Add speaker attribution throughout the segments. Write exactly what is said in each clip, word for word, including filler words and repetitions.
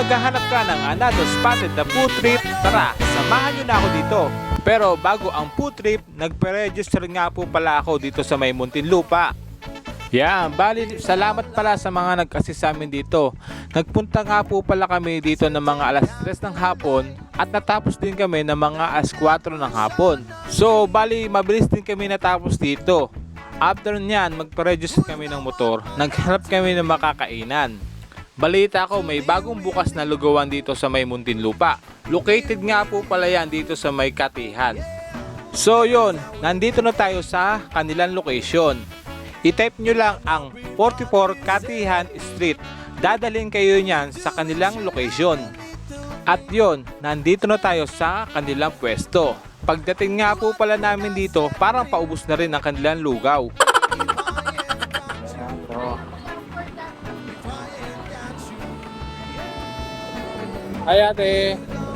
Speaker 1: naghahanap ka ng another spotted na food trip, tara, samahan nyo na ako dito. Pero bago ang food trip, nagpe-register nga po pala ako dito sa may Muntinlupa. Yan, bali salamat pala sa mga nag-assist sa amin dito. Nagpunta nga po pala kami dito ng mga alas tres ng hapon at natapos din kami ng mga alas kwatro ng hapon. So bali mabilis din kami natapos dito. After nyan, magpa-register kami ng motor, naghanap kami ng makakainan. Balita ko may bagong bukas na lugawan dito sa may Muntinlupa. Located nga po pala yan dito sa may Katihan. So yun, nandito na tayo sa kanilang location. I-type nyo lang ang forty-four Katihan Street. Dadalhin kayo niyan sa kanilang location. At yun, nandito na tayo sa kanilang pwesto. Pagdating nga po pala namin dito, parang paubos na rin ang kanilang lugaw. Ay ate.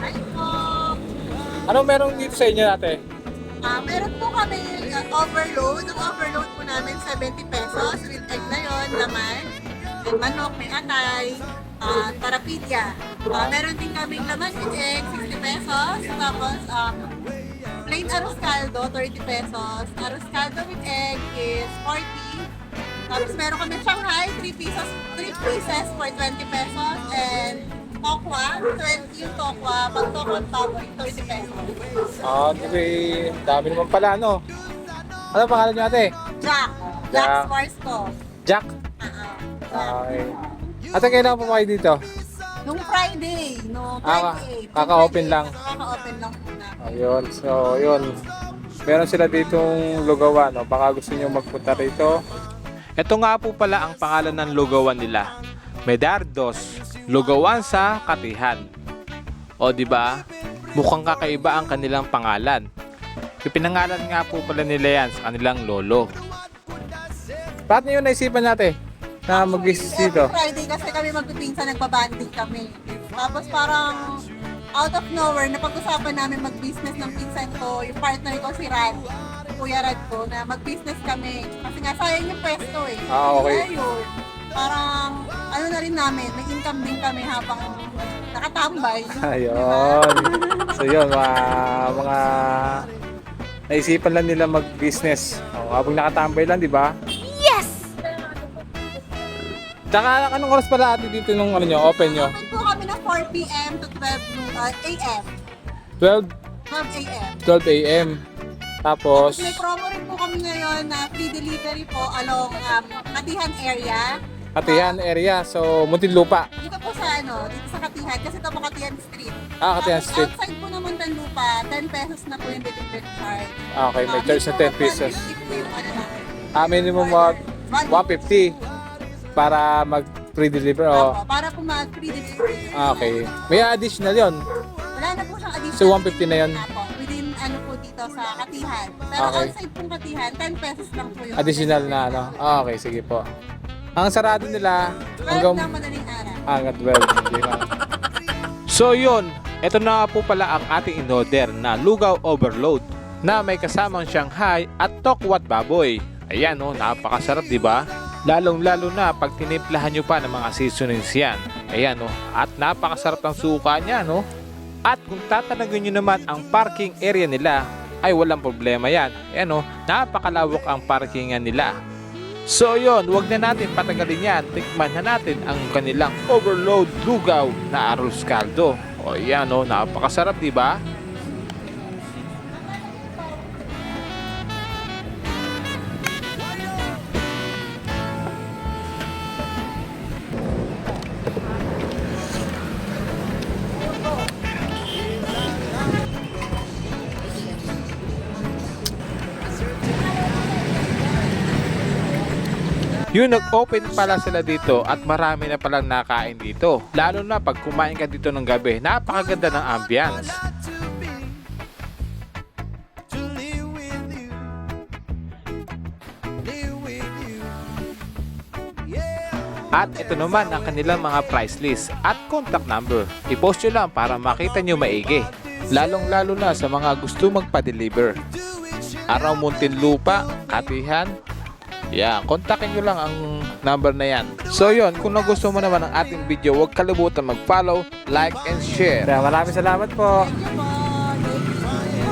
Speaker 1: Anong meron dito sa inyo ate?
Speaker 2: Ah, meron po kami uh, overload. Ang overload po namin seventy pesos with egg na yun, laman, may manok, may atay, uh, tarapidya. Ah, meron din kaming laman with egg, sixty pesos. Tapos, um, plain arroz caldo, thirty pesos. Arroz caldo with egg is forty. Tapos meron kami Shanghai, three pieces, three pieces for twenty pesos. And tokwa, twenty yung tokwa. Pag tokwa baboy, thirty pesos.
Speaker 1: Ah, okay. Dami naman pala, no? Ano pangalan niyo ate?
Speaker 2: Jack.
Speaker 1: Jack.
Speaker 2: Jack Swarsco.
Speaker 1: Jack.
Speaker 2: Uh-uh.
Speaker 1: Okay. Ate, kailan po kayo dito?
Speaker 2: Nung Friday, no,
Speaker 1: Ah,
Speaker 2: twenty-eight.
Speaker 1: kaka-open lang.
Speaker 2: Kaka-open lang po na.
Speaker 1: Ayun, so yun. Meron sila ditong lugawan, no? Baka gusto niyo magpunta rito. Ito nga po pala ang pangalan ng lugawan nila. Medardos, lugawan sa Katihan. O di ba? Mukhang kakaiba ang kanilang pangalan. Ipinangalan nga po pala nila yan sa kanilang lolo. Bakit niyo naisipan natin na mag-visit dito?
Speaker 2: Every Friday kasi kami magpipinsan, nagbabanding kami. Tapos parang out of nowhere, napag-usapan namin mag-business ng pinsan ko, yung partner ko si Rad, Kuya Rad ko, na mag-business kami. Kasi nga sayang yung pwesto eh.
Speaker 1: Ah, okay.
Speaker 2: Ayun, parang ano na rin namin, may income din kami habang nakatambay.
Speaker 1: Ayun. So yun, mga, mga naisipan lang nila mag-business. O, habang nakatambay lang, di ba?
Speaker 2: Yes!
Speaker 1: Tsaka anong oras pala ate dito nung ano nyo, open nyo?
Speaker 2: Open po kami ng four p m to twelve a m
Speaker 1: twelve,
Speaker 2: twelve a m
Speaker 1: twelve a m Tapos,
Speaker 2: May promo rin po kami ngayon na free delivery po along um, Katihan area.
Speaker 1: Katihan area, so Muntinlupa.
Speaker 2: Dito po sa ano, dito sa Katihan, kasi ito po Katihan Street.
Speaker 1: Ah, Katihan
Speaker 2: Tapos
Speaker 1: Street.
Speaker 2: outside po ng Muntinlupa, ten pesos na po yung delivery charge.
Speaker 1: Ah, okay, may
Speaker 2: Ah,
Speaker 1: charge na ten
Speaker 2: minimum
Speaker 1: pesos.
Speaker 2: one fifty po yung ano namin.
Speaker 1: Ah, minimum of one fifty para mag-free deliver.
Speaker 2: Opo,
Speaker 1: Oh.
Speaker 2: para po mag-free delivery.
Speaker 1: Ah, okay. May additional yon.
Speaker 2: Wala na po siyang additional.
Speaker 1: So, one fifty na yun?
Speaker 2: Apo, within ano po dito sa Katihan. Pero
Speaker 1: Okay.
Speaker 2: outside po Katihan, ten pesos lang po yung
Speaker 1: Additional na ano. Ah, okay, sige po. Ang sarado nila
Speaker 2: twelve
Speaker 1: hanggang
Speaker 2: na madaling araw.
Speaker 1: hanggang twelve. Sige, ma'am. So yun, ito na nga po pala ang ating in-order na lugaw overload na may kasamang Shanghai at tokwat baboy. Ayan oh, napakasarap, di ba? Lalong-lalo na pag tinimplahan nyo pa ng mga seasonings yan. Ayan oh, at napakasarap ng suka niya, no? At kung tatanagin nyo naman ang parking area nila, ay walang problema yan. Ayan oh, napakalawak ang parkingan nila. So yun, huwag na natin patagalin yan. Tikman na natin ang kanilang overload lugaw na arroz caldo. O yan o, napakasarap, di ba? Yung nag-open pala sila dito at marami na palang nakain dito. Lalo na pag kumain ka dito ng gabi, napakaganda ng ambience. At ito naman ang kanilang mga price list at contact number. I-post nyo lang para makita nyo maigi. Lalong lalo na sa mga gusto magpa-deliver. Araw Muntinlupa, Katihan. Yan, kontakin nyo lang ang number na yan. So yun, kung nagustuhan mo naman ang ating video, huwag kalimutan mag-follow, like, and share.
Speaker 3: Kaya maraming salamat po.
Speaker 2: Thank you po. Thank you.